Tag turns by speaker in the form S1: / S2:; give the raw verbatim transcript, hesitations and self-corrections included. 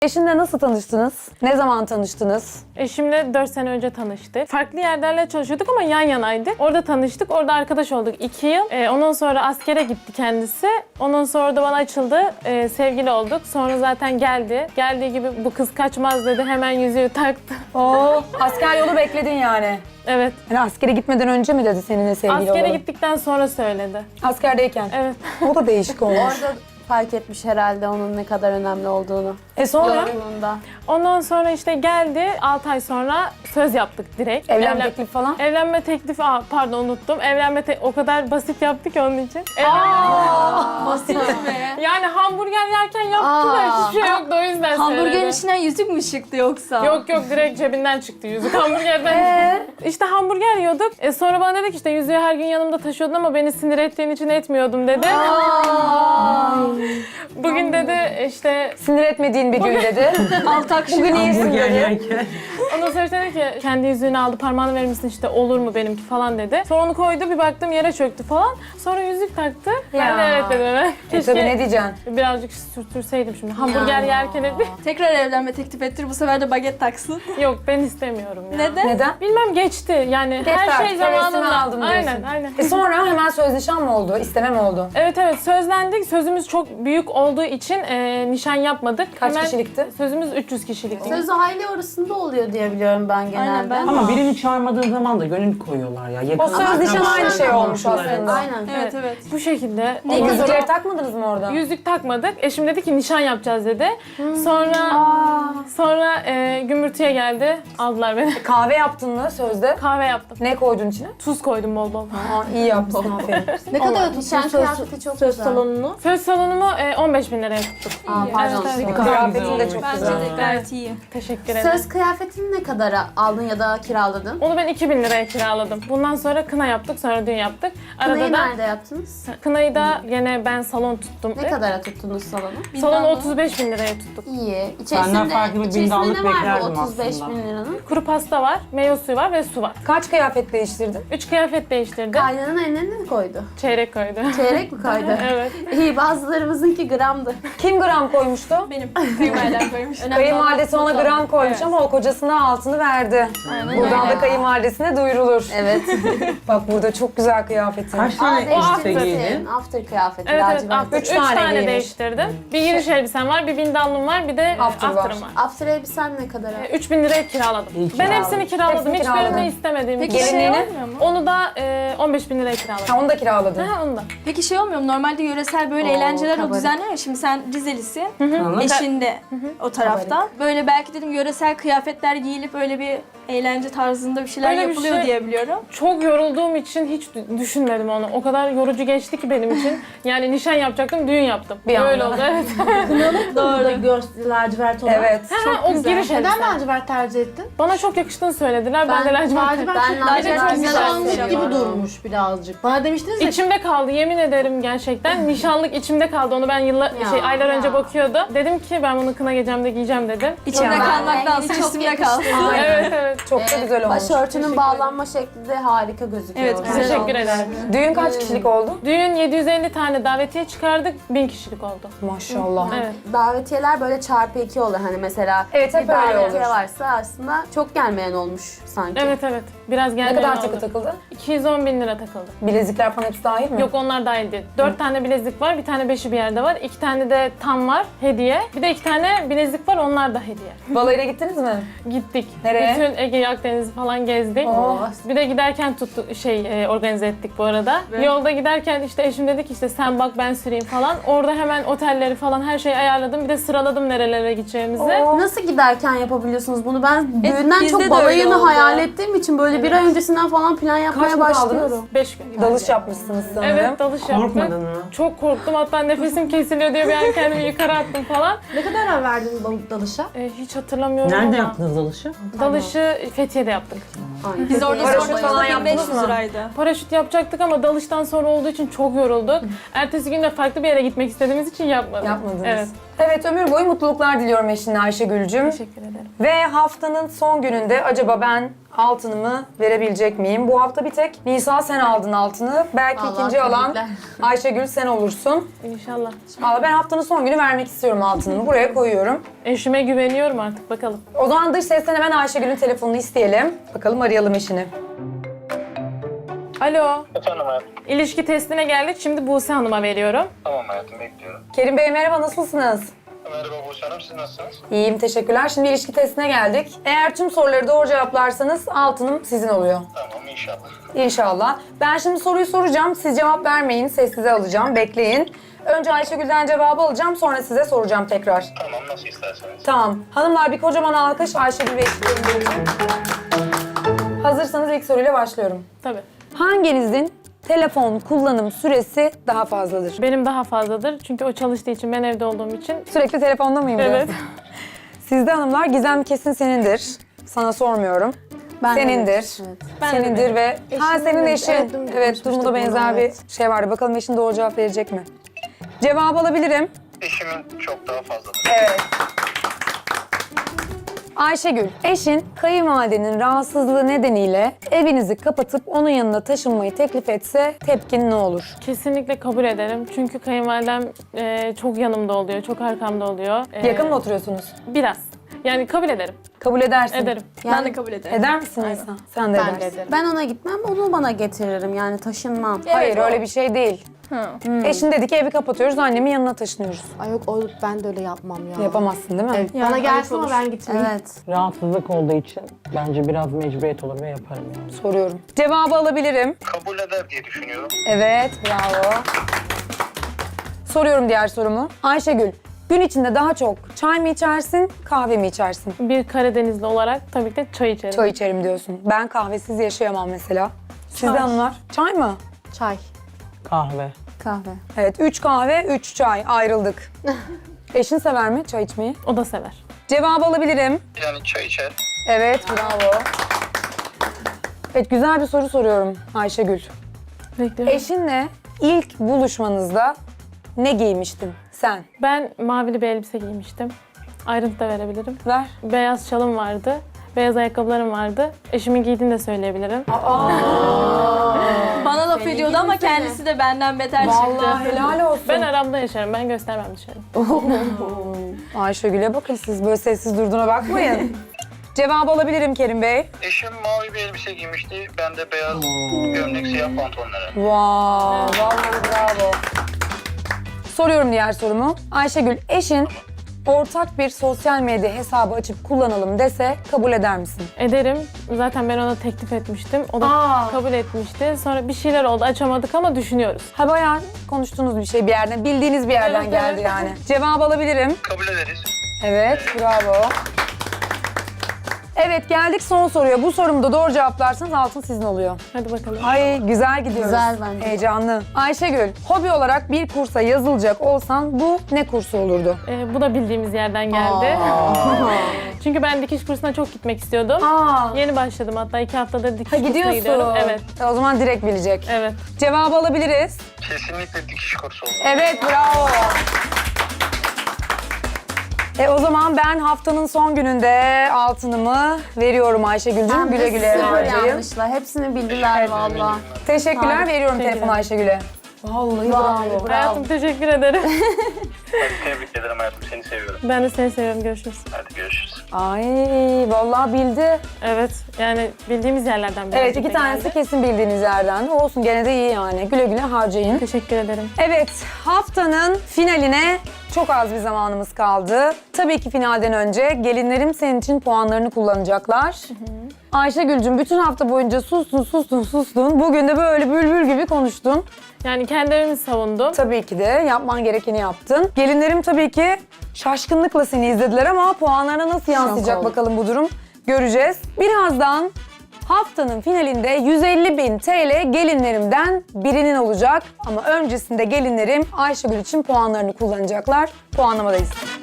S1: Eşinle nasıl tanıştınız? Ne zaman tanıştınız?
S2: Eşimle dört sene önce tanıştık. Farklı yerlerle çalışıyorduk ama yan yanaydık. Orada tanıştık, orada arkadaş olduk iki yıl. Ee, ondan sonra askere gitti kendisi. Ondan sonra da bana açıldı, ee, sevgili olduk. Sonra zaten geldi. Geldiği gibi bu kız kaçmaz dedi, hemen yüzüğü taktı.
S1: Oo, asker yolu bekledin yani.
S2: Evet.
S1: Yani askere gitmeden önce mi dedi seninle sevgili
S2: Askere
S1: olalım?
S2: gittikten sonra söyledi.
S1: Askerdeyken.
S2: Evet.
S1: O da değişik olmuş.
S3: Orada fark etmiş herhalde onun ne kadar önemli olduğunu.
S1: E sonra?
S3: Yolunda.
S2: Ondan sonra işte geldi, altı ay sonra söz yaptık direkt.
S1: Evlenme
S2: Evlen-
S1: teklifi falan?
S2: Evlenme teklifi, aa, pardon unuttum. Evlenme te- o kadar basit yaptı ki onun için.
S4: Basit mi?
S2: Yani hamburger yerken yaptı da
S3: Aa.
S2: hiçbir şey yoktu, o yüzden
S4: Hamburgerin
S2: söyledi.
S4: içinden yüzük mü çıktı yoksa?
S2: Yok yok, direkt cebinden çıktı yüzük hamburgerden. İşte hamburger yiyorduk. E sonra bana dedi ki işte yüzüğü her gün yanımda taşıyordun ama beni sinir ettiğin için etmiyordum dedi. Bugün dedi işte,
S1: Sinir etmediğin bir gün dedi.
S4: Altak şimdi.
S1: Bugün iyisin dedi.
S2: ondan sonra dedi ki kendi yüzüğünü aldı, parmağını verir misin işte, olur mu benimki falan dedi. Sonra onu koydu, bir baktım yere çöktü falan. Sonra yüzük taktı. Ben de
S1: Ya.
S2: evet dedim. Evet.
S1: E tabii ne diyeceksin?
S2: Birazcık sürtürseydim şimdi. Hamburger yerken dedi.
S4: Tekrar evlenme teklif ettir, bu sefer de baget taksın.
S2: Yok, ben istemiyorum ya.
S4: Neden?
S1: Neden?
S2: Bilmem, geçti. Yani
S1: Geçti
S2: her şey
S1: artık, hevesimi
S2: zamanında.
S1: aldım diyorsun.
S2: Aynen, aynen.
S1: E sonra hemen söz nişan mı oldu? İsteme mi oldu?
S2: Evet evet, sözlendik. Sözümüz çok büyük olduğu için e, nişan yapmadık.
S1: Kaç kişilikti?
S2: Sözümüz üç yüz kişilikti.
S3: Söz aile arasında oluyor diye biliyorum ben genelde.
S4: Aynen, ben-
S5: Ama birini çağırmadığın zaman da gönül koyuyorlar ya. Yakın
S1: O söz nişan aynı şey olmuş aslında.
S3: Aynen.
S4: Evet evet.
S2: Bu şekilde.
S1: Ne
S2: Ondan sonra
S1: yüzükleri takmadınız mı orada?
S2: yüzük takmadık. Eşim dedi ki nişan yapacağız dedi. Sonra sonra e, gümbürtüye geldi. Aldılar beni.
S1: Kahve yaptın mı sözde?
S2: Kahve yaptım.
S1: Ne koydun içine?
S2: Tuz koydum bol bol.
S1: Aa, iyi yapmışsın aferin.
S3: Ne kadar nişan kıyafeti çok
S4: Söz
S3: güzel.
S4: salonunu.
S2: Söz salonumu e, on beş bin liraya tuttuk.
S3: Aa, pardon.
S2: Evet, evet.
S1: Kıyafetin de çok
S4: Bence
S1: güzel.
S4: de gayet iyi.
S2: Teşekkür ederim.
S3: Söz kıyafetini ne kadara aldın ya da kiraladın?
S2: Onu ben iki bin liraya kiraladım. Bundan sonra kına yaptık, sonra düğün yaptık. Arada
S3: Kınayı
S2: da
S3: nerede yaptınız?
S2: kınayı da gene ben salon tuttum.
S3: Ne kadara tuttunuz salonu?
S2: Salonu otuz beş bin liraya tuttuk.
S3: İyi.
S5: Senden farklı bir
S3: içerisinde
S5: bindallık
S3: ne var
S5: beklerdim
S3: bu otuz beş
S5: aslında.
S3: bin liranın?
S2: Kuru pasta var, meyve suyu var ve su var.
S1: Kaç kıyafet değiştirdin?
S2: Üç kıyafet değiştirdi.
S3: Kaynanın eline ne koydu?
S2: Çeyrek koydu.
S3: Çeyrek mi koydu?
S2: Evet.
S3: İyi, bazılarımızınki gramdı.
S1: Kim gram koymuştu?
S4: Benim kayınvalidem koymuş.
S1: Kayınvalidesi ona gram koymuş ama o kocasına altını verdi. Buradan da kayınvalidesine duyurulur.
S3: Evet.
S1: Bak burada çok güzel kıyafetin.
S5: Kaç
S3: Aa,
S5: tane elbise giydin?
S3: değiştirmişsin. After kıyafeti.
S2: Evet evet,
S3: lacivert.
S2: after.
S1: Üç
S2: Üç,
S1: tane
S2: tane,
S1: giymiş.
S2: değiştirdim. Bir giriş elbisem var, bir bindallım var, bir de
S1: After
S2: after
S1: var.
S2: var.
S3: After elbisen ne kadara?
S2: E, üç bin liraya kiraladım.
S5: İyi
S2: Ben
S5: kiraladın.
S2: hepsini kiraladım.
S1: Hepsini
S2: Hiçbirini
S1: kiraladın.
S2: istemediğim
S4: Peki
S2: için.
S4: şey
S1: Gelinliğini?
S4: olmuyor mu?
S2: Onu da e, on beş bin liraya kiraladım.
S1: Ha, onu da kiraladın.
S2: Ha, onu da.
S4: Peki şey olmuyor mu? Normalde yöresel böyle
S3: Oo,
S4: eğlenceler o
S3: kabarık.
S4: düzenler ya. Şimdi sen Rizelisin,
S5: Hı.
S4: eşin de o tarafta. Böyle belki dedim yöresel kıyafetler giyilip öyle bir eğlence tarzında bir şeyler
S2: Öyle bir
S4: yapılıyor
S2: şey-
S4: diye biliyorum.
S2: Çok yorulduğum için hiç dü- düşünmedim onu. O kadar yorucu geçti ki benim için. Yani nişan yapacaktım, düğün yaptım.
S1: Bir
S2: Böyle
S1: anda.
S2: oldu, evet.
S6: Doğru. Göz lacivert olan.
S1: Evet.
S2: Ha, o giriş
S6: Neden
S2: elbise.
S6: lacivert tercih ettin?
S2: Bana çok yakıştığını söylediler. Ben, de lacivert.
S6: lacivert
S3: Ben
S6: çok
S3: lacivert
S6: lacivert
S3: güzel
S6: nişanlık
S3: seviyorum.
S6: gibi durmuş birazcık. Bana demiştiniz ya.
S2: İçimde kaldı, yemin ederim gerçekten. Nişanlık içimde kaldı. Onu ben yıllar,
S3: Ya,
S2: şey aylar
S3: ya.
S2: önce bakıyordum. Dedim ki ben bunu kına gecemde giyeceğim dedim.
S4: İçimde
S1: Yani
S4: kalmaktansa
S3: rengini çok
S4: üstümde kalsın.
S3: yakıştırdı.
S2: Evet evet.
S1: Çok da güzel olmuş.
S3: Başörtünün bağlanma şekli de harika gözüküyor.
S4: Evet, güzel
S2: Teşekkür
S4: olmuş.
S2: ederim.
S1: Düğün kaç kişilik oldu?
S2: Düğün yedi yüz elli tane davetiye çıkardık, bin kişilik oldu.
S1: Maşallah.
S2: Evet.
S3: Davetiyeler böyle çarpı iki olur hani mesela.
S1: Evet, hep
S3: bir
S1: öyle
S3: davetiye
S1: olur.
S3: varsa aslında çok gelmeyen olmuş sanki.
S2: Evet evet. Biraz
S1: Ne
S2: geldi.
S1: kadar takı takıldı?
S2: iki yüz on bin lira takıldı.
S1: Bilezikler falan hepsi dahil mi?
S2: Yok, onlar dahil değil. Dört tane bilezik var, bir tane beşi bir yerde var. İki tane de tam var, hediye. Bir de iki tane bilezik var, onlar da hediye.
S1: Balayına gittiniz mi?
S2: Gittik.
S1: Nereye?
S2: Bütün Ege Akdeniz'i falan gezdik.
S1: Oh.
S2: Bir de giderken tuttu şey e, organize ettik bu arada. Yolda giderken işte eşim dedi ki işte sen bak ben süreyim falan. Orada hemen otelleri falan her şeyi ayarladım. Bir de sıraladım nerelere gideceğimizi.
S1: Oh.
S3: Nasıl giderken yapabiliyorsunuz bunu? Ben
S4: Evet,
S3: düğünden
S4: bizde
S3: çok
S4: de
S3: balayını
S4: öyle oldu.
S3: hayal ettiğim için böyle bir ay öncesinden falan plan yapmaya
S1: mı
S3: başlıyorum.
S1: kaldınız?
S2: Beş gün.
S1: Dalış yapmışsınız sanırım.
S2: Evet, dalış yaptık.
S5: Korkmadın mı?
S2: Çok korktum, hatta nefesim kesiliyor diye bir an kendimi yukarı attım falan.
S6: Ne kadar verdin balık dalışa?
S2: E, hiç hatırlamıyorum
S5: Nerede
S2: ama.
S5: yaptınız dalışı?
S2: Dalışı Fethiye'de yaptık.
S4: Biz orada
S1: Paraşüt
S4: sorduk,
S1: falan
S4: bin beş yüz
S1: yaptınız mı?
S4: liraydı.
S2: Paraşüt yapacaktık ama dalıştan sonra olduğu için çok yorulduk. Ertesi gün de farklı bir yere gitmek istediğimiz için yapmadık.
S1: Yapmadınız.
S2: Evet.
S1: Evet, ömür boyu mutluluklar diliyorum eşinle Ayşegül'cüm.
S2: Teşekkür ederim.
S1: Ve haftanın son gününde acaba ben altınımı verebilecek miyim? Bu hafta bir tek Nisa sen aldın altını. Belki
S6: Vallahi
S1: ikinci alan
S6: tebrikler.
S1: Ayşegül sen olursun.
S2: İnşallah.
S1: Valla ben haftanın son günü vermek istiyorum altınımı. Buraya koyuyorum.
S2: Eşime güveniyorum artık bakalım.
S1: O zaman dış sesten hemen Ayşegül'ün telefonunu isteyelim. Bakalım arayalım eşini.
S2: Alo.
S7: Efendim hayatım.
S2: İlişki testine geldik. Şimdi Buse Hanım'a veriyorum.
S7: Tamam hayatım, bekliyorum.
S1: Kerim Bey merhaba, nasılsınız?
S7: Merhaba Buse Hanım, siz nasılsınız?
S1: İyiyim, teşekkürler. Şimdi ilişki testine geldik. Eğer tüm soruları doğru cevaplarsanız altınım sizin oluyor.
S7: Tamam, inşallah.
S1: İnşallah. Ben şimdi soruyu soracağım. Siz cevap vermeyin. Sessize alacağım. Bekleyin. Önce Ayşegül'den cevabı alacağım. Sonra size soracağım tekrar.
S7: Tamam, nasıl isterseniz.
S1: Tamam. Hanımlar bir kocaman alkış Ayşegül ve eşitlerim için. Hazırsanız ilk soruyla başlıyorum.
S2: Tabii.
S1: Hanginizin telefon kullanım süresi daha fazladır?
S2: Benim daha fazladır. Çünkü o çalıştığı için, ben evde olduğum için.
S1: Sürekli telefonda mıyım?
S2: Evet.
S1: Sizde hanımlar Gizem kesin senindir. Sana sormuyorum.
S3: Ben de
S1: Senindir.
S3: evet, evet.
S1: Senindir ve ha
S3: Eşim
S1: senin
S3: de-
S1: eşin.
S3: evet,
S1: Evet,
S3: dün
S1: evet
S3: konuşmuştuk
S1: durumda
S3: bunu,
S1: benzer
S3: evet.
S1: bir şey vardı. Bakalım eşin doğru cevap verecek mi? Cevabı alabilirim.
S7: Eşimin çok daha fazladır.
S1: Evet. Ayşegül, eşin kayınvalidenin rahatsızlığı nedeniyle evinizi kapatıp onun yanına taşınmayı teklif etse tepkin ne olur?
S2: Kesinlikle kabul ederim. Çünkü kayınvalidem e, çok yanımda oluyor, çok arkamda oluyor. E,
S1: Yakın mı oturuyorsunuz?
S2: Biraz. Yani kabul ederim.
S1: Kabul edersin.
S2: Ederim.
S4: Ben de kabul ederim.
S1: Eder misin Nisa? Sen de
S6: Ben de
S1: edersin.
S6: ederim.
S3: Ben ona gitmem, onu bana getiririm. Yani taşınmam.
S1: Hayır öyle bir şey değil. Eşin dedi ki evi kapatıyoruz, annemin yanına taşınıyoruz.
S6: Ay yok, o, ben de öyle yapmam ya.
S1: Yapamazsın değil mi?
S6: Evet,
S4: Yani
S6: bana gelsin
S4: ayıp
S6: ama
S4: olur.
S6: ben gitmeyeyim.
S3: Evet.
S5: Rahatsızlık olduğu için bence biraz mecburiyet olur ve yaparım yani.
S1: Soruyorum. Cevabı alabilirim.
S7: Kabul eder diye düşünüyorum.
S1: Evet, bravo. Soruyorum diğer sorumu. Ayşegül, gün içinde daha çok çay mı içersin, kahve mi içersin?
S2: Bir Karadenizli olarak tabii ki de çay içerim.
S1: Çay içerim diyorsun. Ben kahvesiz yaşayamam mesela. Siz de
S2: Çay.
S1: hanımlar, çay mı?
S6: Çay.
S5: Kahve.
S3: Kahve.
S1: Evet, üç kahve, üç çay. Ayrıldık. Eşin sever mi çay içmeyi?
S2: O da sever.
S1: Cevabı alabilirim.
S7: Yani çay içer.
S1: Evet, bravo. Evet, güzel bir soru soruyorum Ayşegül.
S2: Bekliyorum.
S1: Eşinle ilk buluşmanızda ne giymiştin sen?
S2: Ben mavili bir elbise giymiştim. Ayrıntı da verebilirim.
S1: Ver.
S2: Beyaz şalım vardı. Beyaz ayakkabılarım vardı. Eşimin giydiğini de söyleyebilirim.
S4: Bana laf ediyordu ama kendisi de benden beter çıktı.
S1: Vallahi helal olsun.
S2: Ben aramda yaşarım. Ben göstermem dışarı.
S1: Ayşegül'e bakın siz böyle sessiz durduğuna bakmayın. Cevabı alabilirim Kerim Bey.
S7: Eşim mavi bir elbise giymişti. Ben de beyaz gömlek, siyah pantolonları.
S1: Wow, vallahi bravo. Soruyorum diğer sorumu. Ayşegül, eşin ortak bir sosyal medya hesabı açıp kullanalım dese kabul eder misin?
S2: Ederim. Zaten ben ona teklif etmiştim. O da
S1: Aa.
S2: kabul etmişti. Sonra bir şeyler oldu. Açamadık ama düşünüyoruz.
S1: Ha bayağı konuştuğunuz bir şey bir yerden, bildiğiniz bir yerden
S2: Evet,
S1: geldi
S2: evet.
S1: yani. Cevabı alabilirim.
S7: Kabul ederiz.
S1: Evet, bravo. Evet, geldik son soruya. Bu sorumu da doğru cevaplarsanız altın sizin oluyor.
S2: Hadi bakalım.
S1: Ay güzel gidiyoruz.
S3: Güzel bence.
S1: Heyecanlı. Ayşegül, hobi olarak bir kursa yazılacak olsan bu ne kursu olurdu?
S2: Ee, bu da bildiğimiz yerden geldi. Çünkü ben dikiş kursuna çok gitmek istiyordum.
S1: Aa,
S2: Yeni başladım hatta iki haftadır dikiş
S1: ha
S2: kursuna
S1: gidiyorsun.
S2: gidiyorum. Evet,
S1: E, O zaman direkt bilecek.
S2: evet.
S1: Cevabı alabiliriz.
S7: Kesinlikle dikiş kursu olur.
S1: Evet, bravo. E o zaman ben haftanın son gününde altınımı veriyorum Ayşegül'cüğüm.
S3: Hem
S1: Güle
S3: de
S1: güle
S3: sıfır
S1: harcayın.
S3: yanlışla. Hepsini bildiler valla.
S1: Teşekkürler,
S3: Harika.
S1: veriyorum
S2: Teşekkür
S1: telefonu Ayşegül'e. Vallahi bravo.
S2: Hayatım teşekkür ederim.
S7: Hadi tebrik ederim hayatım, seni seviyorum.
S2: Ben de seni seviyorum. Görüşürüz.
S7: Hadi görüşürüz.
S1: Ay vallahi bildi.
S2: Evet, yani bildiğimiz yerlerden biri.
S1: Evet, iki tanesi kesin bildiğiniz yerden. Olsun, gene de iyi yani. Güle güle harcayın.
S2: Teşekkür ederim.
S1: Evet, haftanın finaline çok az bir zamanımız kaldı. Tabii ki finalden önce gelinlerim senin için puanlarını kullanacaklar. Ayşegül'cüm bütün hafta boyunca sustun, sustun, sustun. Bugün de böyle bülbül gibi konuştun.
S2: Yani kendi evimi savundum.
S1: Tabii ki de yapman gerekeni yaptın. Gelinlerim tabii ki şaşkınlıkla seni izlediler ama puanlarına nasıl yansıyacak
S3: oldum.
S1: bakalım bu durum göreceğiz. Birazdan haftanın finalinde yüz elli bin T L gelinlerimden birinin olacak. Ama öncesinde gelinlerim Ayşegül için puanlarını kullanacaklar. Puanlamadayız.